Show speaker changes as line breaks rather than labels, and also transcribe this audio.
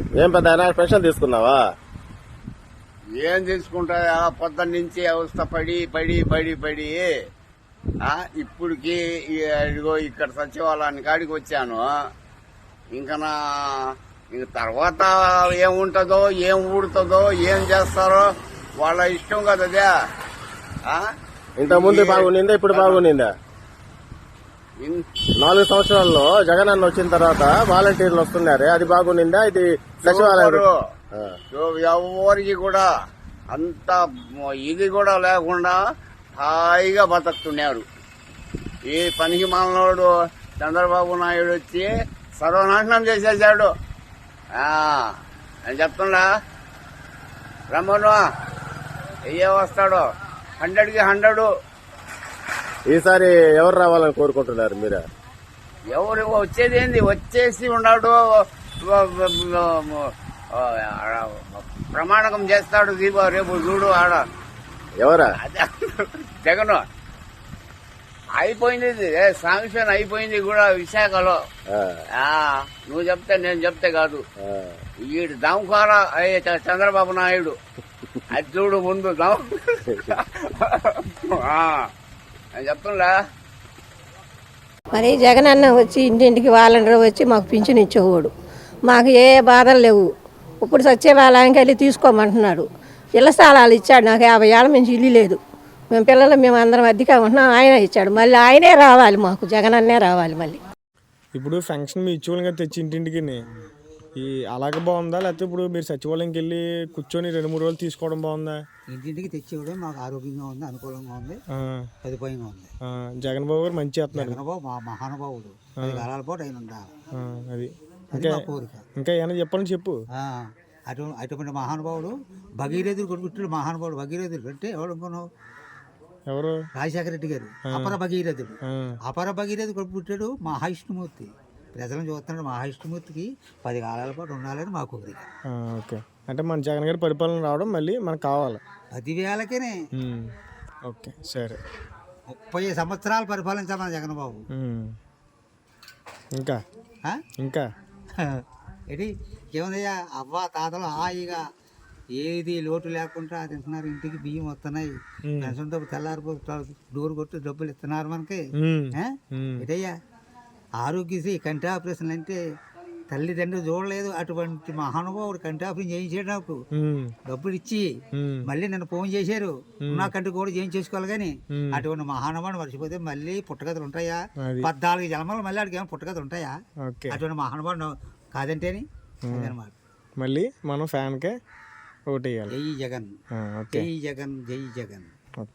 ఏం పెద్ద పెన్షన్ తీసుకున్నావా?
ఏం తీసుకుంటా పొద్దున్న నుంచి అవస్థ పడి పడి పడి పడి ఇప్పటికి ఇదిగో ఇక్కడ సచివాలయానికి కాడికి వచ్చాను. ఇంకా ఇంక తర్వాత ఏముంటుందో ఏం ఊడుతుందో ఏం చేస్తారో వాళ్ళ ఇష్టం కదా.
ఇంత ముందు బాగుండిందా, ఇప్పుడు బాగుండిందా? 4 సంవత్సరాల్లో జగన్ అన్న వచ్చిన తర్వాత వాలంటీర్లు వస్తున్నారే, అది బాగుండిందా? ఇది సచివాలయం
ఎవరికి కూడా అంత ఇది కూడా లేకుండా హాయిగా బతుకుతున్నారు. ఈ పనికి మాలనోడు చంద్రబాబు నాయుడు వచ్చి సర్వనాశనం చేసేసాడు. నేను చెప్తున్నా, రమ్మను అయ్యే వస్తాడు 100కి 100.
ఈసారి ఎవరు రావాలని కోరుకుంటున్నారు మీరు?
ఎవరు వచ్చేది ఏంది, వచ్చేసి ఉన్నాడు, ప్రమాణకం చేస్తాడు. దీపా రేపు చూడు ఆడ.
ఎవరా?
జగన్ అయిపోయింది, శాంక్షన్ అయిపోయింది కూడా విశాఖలో. నువ్వు చెప్తే నేను చెప్తే కాదు, వీడు దమ్కార చంద్రబాబు నాయుడు. అది చూడు ముందు నేను చెప్తున్నా.
మరి జగన్ అన్న వచ్చి ఇంటింటికి వాలంటీర్ వచ్చి మాకు పింఛన్ ఇచ్చేవాడు. మాకు ఏ బాధలు లేవు. ఇప్పుడు సచివాలయానికి వెళ్ళి తీసుకోమంటున్నాడు. ఇళ్ల స్థలాలు ఇచ్చాడు. నాకు 50 ఏళ్ళ నుంచి ఇల్లు లేదు. మేము అందరం అద్దెగా ఉంటున్నాం. ఆయన ఇచ్చాడు. మళ్ళీ ఆయనే రావాలి, మాకు జగన్ అన్నే రావాలి. మళ్ళీ
ఇప్పుడు ఫంక్షన్ మీ ఇచ్చేవాళ్ళగా తెచ్చి ఇంటింటికి అలాగే బాగుందా, లేకపోతే ఇప్పుడు మీరు సచివాలయంకి వెళ్ళి కూర్చొని 2-3 రోజులు తీసుకోవడం బాగుందా?
ఇంటింటికి తెచ్చివ్వడం మాకు ఆరోగ్యంగా ఉంది, అనుకూలంగా ఉంది, సదుపాయంగా ఉంది.
జగన్ బాబు గారు మంచి చేస్తున్నారు.
జగన్ బాబు మా మహానుభావుడు, 10 కాలాల పాటు ఆయన ఉండాలి.
అది
కోరిక.
ఇంకా ఏమైనా చెప్పాలని చెప్పు.
అటువంటి మహానుభావుడు భగీరథుడు కొడుకుట్టాడు. మహానుభావుడు భగీరథుడు అంటే ఎవరు అనుకున్నావు?
ఎవరు?
రాజశేఖర రెడ్డి గారు అపర భగీరథుడు. అపర భగీరథుడు కొడుకు పుట్టాడు మహావిష్ణుమూర్తి. ప్రజలను చూస్తున్నాడు. మహావిష్ణుమూర్తికి 10 కాలాల పాటు ఉండాలని మా కోరిక.
ఓకే, అంటే మన జగన్ గారి పరిపాలన రావడం మళ్ళీ మనకు కావాలి.
10,000కేనే.
ఓకే, సరే.
30 సంవత్సరాలు పరిపాలించాలి మన జగన్ బాబు.
ఇంకా ఇంకా
ఏంటి ఏముందయ్యా, అవ్వ తాతలు హాయిగా ఏది లోటు లేకుండా తింటున్నారు. ఇంటికి బియ్యం వస్తున్నాయి, పెన్షన్ డబ్బు తెల్లారిపో డోర్ కొట్టి డబ్బులు ఇస్తున్నారు మనకి. ఏటయ్యా ఆరోగ్యశ్రీ కంటి ఆపరేషన్ అంటే తల్లిదండ్రులు చూడలేదు. అటువంటి మహానుభావుడు కంటి ఆపరేషన్ చేయించేటప్పుడు డబ్బులు ఇచ్చి మళ్ళీ నన్ను ఫోన్ చేశారు, నా కంటి కూడా చేయించేసుకోవాలి. కానీ అటువంటి మహానుభావుడు మర్చిపోతే మళ్ళీ పుట్టగతులు ఉంటాయా? 14 జన్మలు మళ్ళీ ఆడికి ఏమైనా పుట్టగతులు ఉంటాయా? అటువంటి మహానుభావుడు కాదంటేని అదనమాట.
మళ్ళీ మనం ఫ్యాన్కే ఓటు వేయాలి.
జై జగన్, జై జగన్, జై జగన్.